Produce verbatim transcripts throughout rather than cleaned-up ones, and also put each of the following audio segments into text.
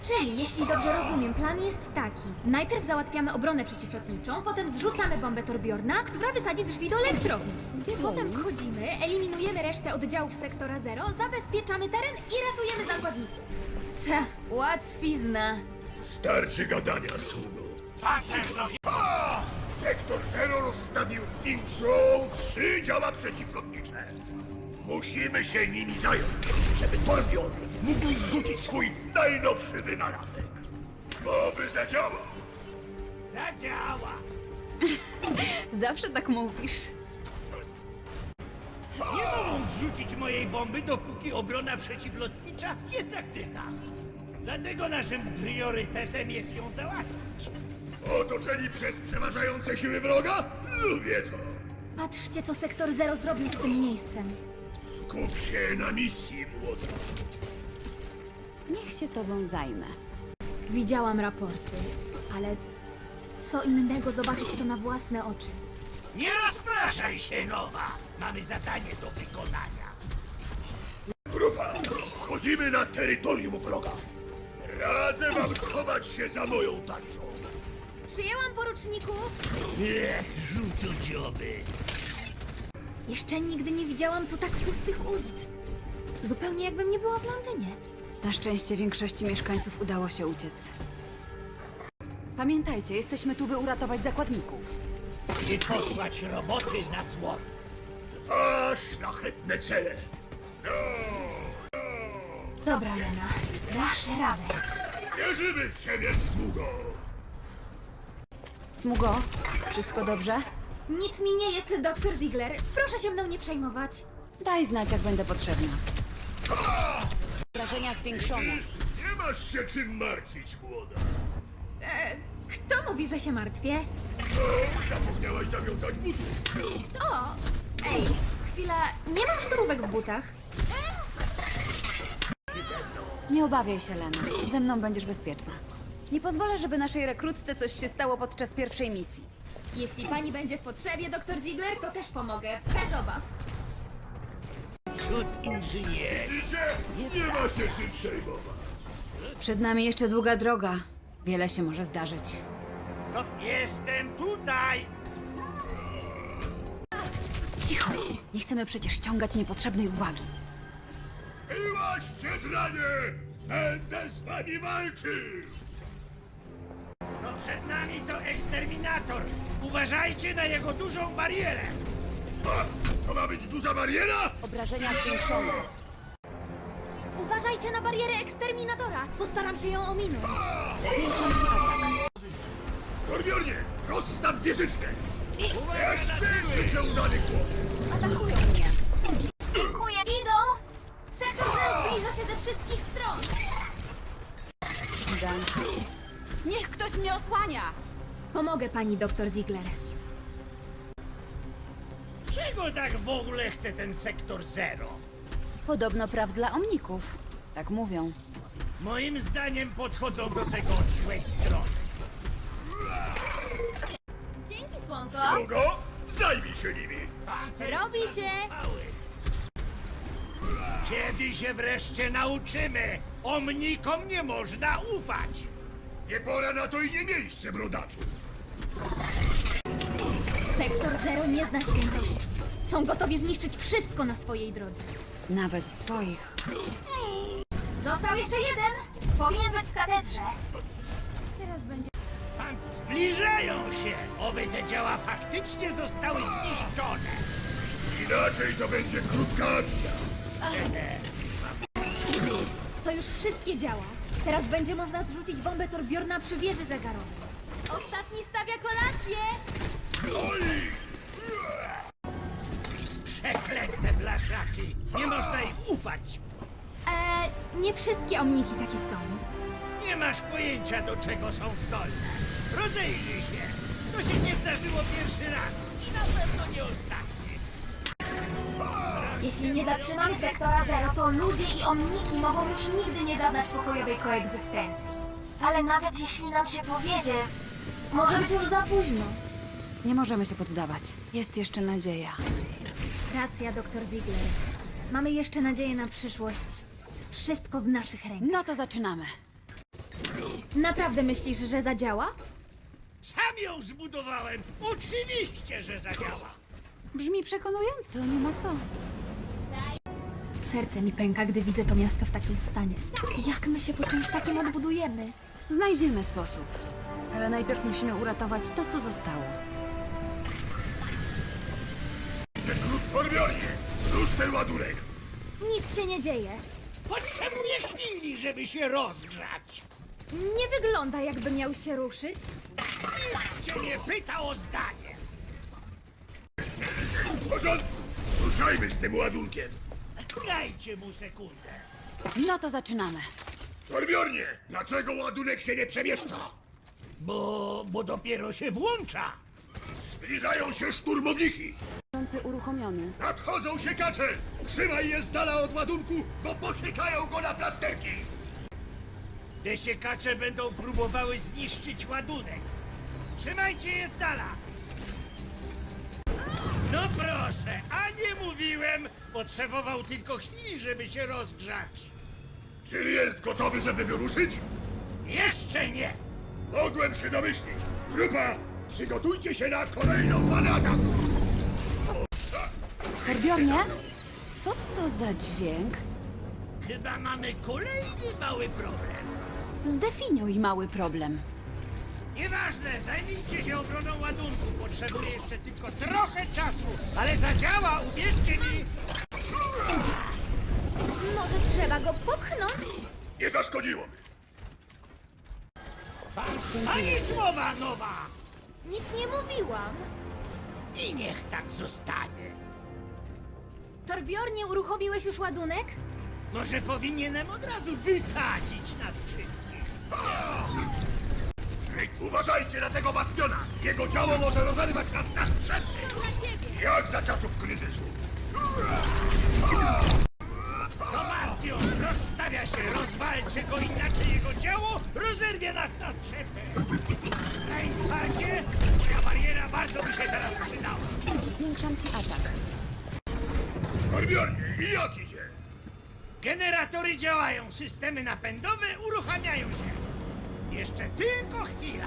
Czyli, jeśli dobrze rozumiem, plan jest taki. Najpierw załatwiamy obronę przeciwlotniczą, potem zrzucamy bombę Torbjorna, która wysadzi drzwi do elektrowni. Potem wchodzimy, eliminujemy resztę oddziałów sektora zero, zabezpieczamy teren i ratujemy zakładników. Ta, łatwizna. Starczy gadania, sługo. Ha! Sektor Zero rozstawił w Kingsrow trzy działa przeciwlotnicze. Musimy się nimi zająć, żeby Torbjorn mógł zrzucić swój najnowszy wynalazek. Oby zadziałał. Zadziała! Zawsze tak mówisz. Nie mogą zrzucić mojej bomby, dopóki obrona przeciwlotnicza jest aktywna. Dlatego naszym priorytetem jest ją załatwić. Otoczeni przez przeważające siły wroga? Lubię to. Patrzcie, co sektor zero zrobił z tym miejscem. Skup się na misji, młoda. Niech się tobą zajmę. Widziałam raporty, ale co innego zobaczyć to na własne oczy. Nie rozpraszaj się, Nowa! Mamy zadanie do wykonania. Grupa, wchodzimy na terytorium wroga. Radzę wam schować się za moją tarczą. Przyjęłam, poruczniku! Niech rzucą dzioby. Jeszcze nigdy nie widziałam tu tak pustych ulic. Zupełnie jakbym nie była w Londynie. Na szczęście większości mieszkańców udało się uciec. Pamiętajcie, jesteśmy tu, by uratować zakładników. I posłać roboty na zło. Dwa szlachetne cele. No, no. Dobra, Lena, dasz radę. Wierzymy w ciebie, sługo. Smugo, wszystko dobrze? Nic mi nie jest, doktor Ziegler. Proszę się mną nie przejmować. Daj znać, jak będę potrzebna. Wrażenia zwiększone. Nie masz się czym martwić, młoda. E, kto mówi, że się martwię? O, zapomniałaś zawiązać butów. O! Ej, chwila, nie mam szturówek w butach. Nie obawiaj się, Lena. Ze mną będziesz bezpieczna. Nie pozwolę, żeby naszej rekrutce coś się stało podczas pierwszej misji. Jeśli pani będzie w potrzebie, doktor Ziegler, to też pomogę. Bez obaw. Cud inżynier. Widzicie? Nie ma się czym przejmować. Przed nami jeszcze długa droga. Wiele się może zdarzyć. No, jestem tutaj! Cicho! Nie chcemy przecież ściągać niepotrzebnej uwagi. Miłaście dranie! Będę z wami walczył! No przed nami to eksterminator. Uważajcie na jego dużą barierę. A, to ma być duża bariera? Obrażenia zwiększone. Uważajcie na barierę eksterminatora. Postaram się ją ominąć. Torbjornie, rozstaw wieżyczkę! Jeszcze życie udany głos! Atakują mnie. Dziękuję. Idą! Sektor zero zbliża się ze wszystkich stron. Dan. Niech ktoś mnie osłania! Pomogę pani, doktor Ziegler. Czego tak w ogóle chce ten sektor zero? Podobno praw dla omników. Tak mówią. Moim zdaniem podchodzą do tego od złej strony. Dzięki, słonko. Sługo, zajmij się nimi! Robi się. Mały. Kiedy się wreszcie nauczymy? Omnikom nie można ufać. Nie pora na to i nie miejsce, brodaczu! Sektor zero nie zna świętości. Są gotowi zniszczyć wszystko na swojej drodze. Nawet swoich. Został jeszcze jeden. Powinien być w katedrze. Pan- Zbliżają się. Oby te działa faktycznie zostały zniszczone. Inaczej to będzie krótka akcja. To już wszystkie działa. Teraz będzie można zrzucić bombę Torbjorna przy wieży zegarowej. Ostatni stawia kolację. Oj! Przeklęte blaszaki. Nie można im ufać. Eee, nie wszystkie omniki takie są. Nie masz pojęcia, do czego są zdolne. Rozejrzyj się. To się nie zdarzyło pierwszy raz. I na pewno nie ostatni. Jeśli nie zatrzymamy sektora zero, to ludzie i omniki mogą już nigdy nie zaznać pokojowej koegzystencji. Ale nawet jeśli nam się powiedzie, może być już za późno. Nie możemy się poddawać. Jest jeszcze nadzieja. Racja, doktor Ziegler. Mamy jeszcze nadzieję na przyszłość. Wszystko w naszych rękach. No to zaczynamy. Naprawdę myślisz, że zadziała? Sam ją zbudowałem. Oczywiście, że zadziała. Brzmi przekonująco, nie ma co. Serce mi pęka, gdy widzę to miasto w takim stanie. Jak my się po czymś takim odbudujemy? Znajdziemy sposób. Ale najpierw musimy uratować to, co zostało. Rekrut Torbiornie, rusz ten ładunek. Nic się nie dzieje. Potrzebuję chwili, żeby się rozgrzać. Nie wygląda, jakby miał się ruszyć. Nikt cię nie pyta o zdanie. W porządku, ruszajmy z tym ładunkiem. Dajcie mu sekundę. No to zaczynamy. Torbiornie, dlaczego ładunek się nie przemieszcza? Bo, bo dopiero się włącza. Zbliżają się szturmowniki. Uruchomiony. Nadchodzą siekacze! Trzymaj je z dala od ładunku, bo posiekają go na plasterki! Te siekacze będą próbowały zniszczyć ładunek. Trzymajcie je z dala. No proszę, a nie mówiłem. Potrzebował tylko chwili, żeby się rozgrzać. Czyli jest gotowy, żeby wyruszyć? Jeszcze nie. Mogłem się domyślić. Grupa, przygotujcie się na kolejną falę ataku! Torbjornie? Co to za dźwięk? Chyba mamy kolejny mały problem. Zdefiniuj mały problem. Nieważne, zajmijcie się obroną ładunku. Potrzebuję jeszcze tylko trochę czasu, ale zadziała, uwierzcie mi. Może trzeba go popchnąć? Nie zaszkodziło mi. Ani słowa nowa. Nic nie mówiłam. I niech tak zostanie. Torbjornie, uruchomiłeś już ładunek? Może powinienem od razu wysadzić nas wszystkich. Ej, uważajcie na tego bastiona! Jego działo może rozerwać nas na strzępy! Dla ciebie! Jak za czasów kryzysu! To bastion rozstawia się, rozwalcie go, inaczej jego działo rozerwie nas na strzępy. Najspacie, moja bariera bardzo mi się teraz przydała. Zwiększam ci atak. Torbiornie, i jak idzie? Generatory działają, systemy napędowe uruchamiają się. Jeszcze tylko chwila.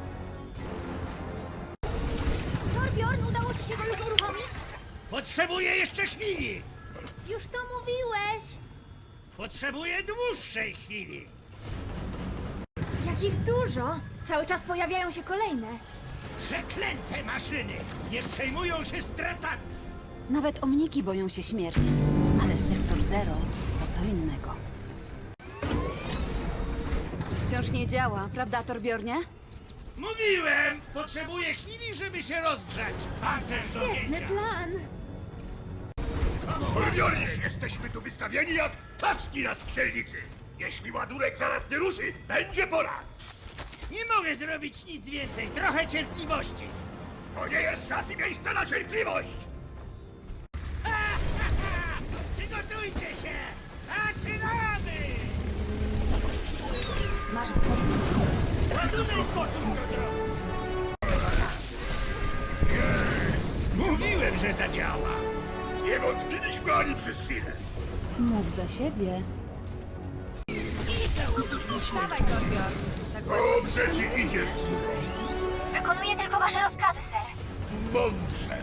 Torbjorn, udało ci się go już uruchomić? Potrzebuję jeszcze chwili. Już to mówiłeś! Potrzebuję dłuższej chwili. Jakich dużo! Cały czas pojawiają się kolejne. Przeklęte maszyny nie przejmują się stratami. Nawet omniki boją się śmierci. Ale sektor zero to co innego. Wciąż nie działa, prawda, Torbjornie? Mówiłem! Potrzebuję chwili, żeby się rozgrzać. Pancerz do Świetny wzięcia. plan! Torbiornie, jesteśmy tu wystawieni jak kaczki na strzelnicy! Jeśli ładunek zaraz nie ruszy, będzie po raz! Nie mogę zrobić nic więcej. Trochę cierpliwości. To nie jest czas i miejsce na cierpliwość! Przygotujcie się! Zaczynamy! Masz Ładunek gotów do drogi. Mówiłem, że zadziała. Nie wątpiliśmy ani przez chwilę! Mów za siebie. Dawaj, Torbjorn. Dobrze ci idzie, sługo! Wykonuję tylko wasze rozkazy, ser. Mądrze!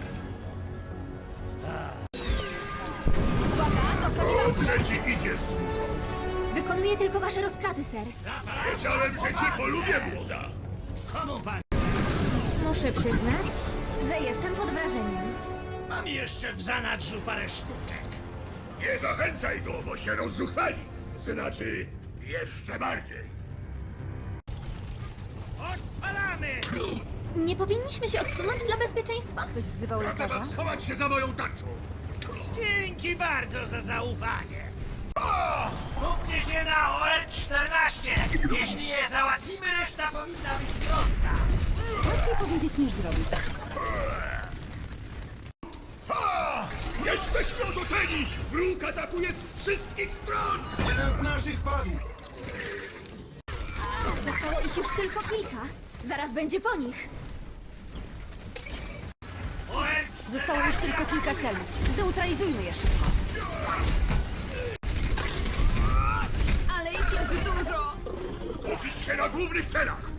Uwaga, to prawdziwa... Dobrze ci idzie, sługo! Wykonuję tylko wasze rozkazy, ser. Wiedziałem, że cię polubię, młoda! Komu pan? Muszę przyznać, że jestem pod wrażeniem. Mam jeszcze w zanadrzu parę sztuczek. Nie zachęcaj go, bo się rozzuchwali! Znaczy, jeszcze bardziej! Odpalamy! Nie powinniśmy się odsunąć dla bezpieczeństwa? Ktoś wzywał Radzę lekarza? wam schować się za moją tarczą! Dzięki bardzo za zaufanie. Skupcie się na O L czternaście. Jeśli je załatwimy, reszta powinna być prostka. Łatwiej powiedzieć niż zrobić. Ha! Jesteśmy otoczeni! Wróg atakuje z wszystkich stron! Jeden z naszych padł! Zostało ich już tylko kilka. Zaraz będzie po nich. O L Zostało już tylko kilka celów. Zneutralizujmy je szybko. Ale ich jest dużo. Skupić się na głównych celach!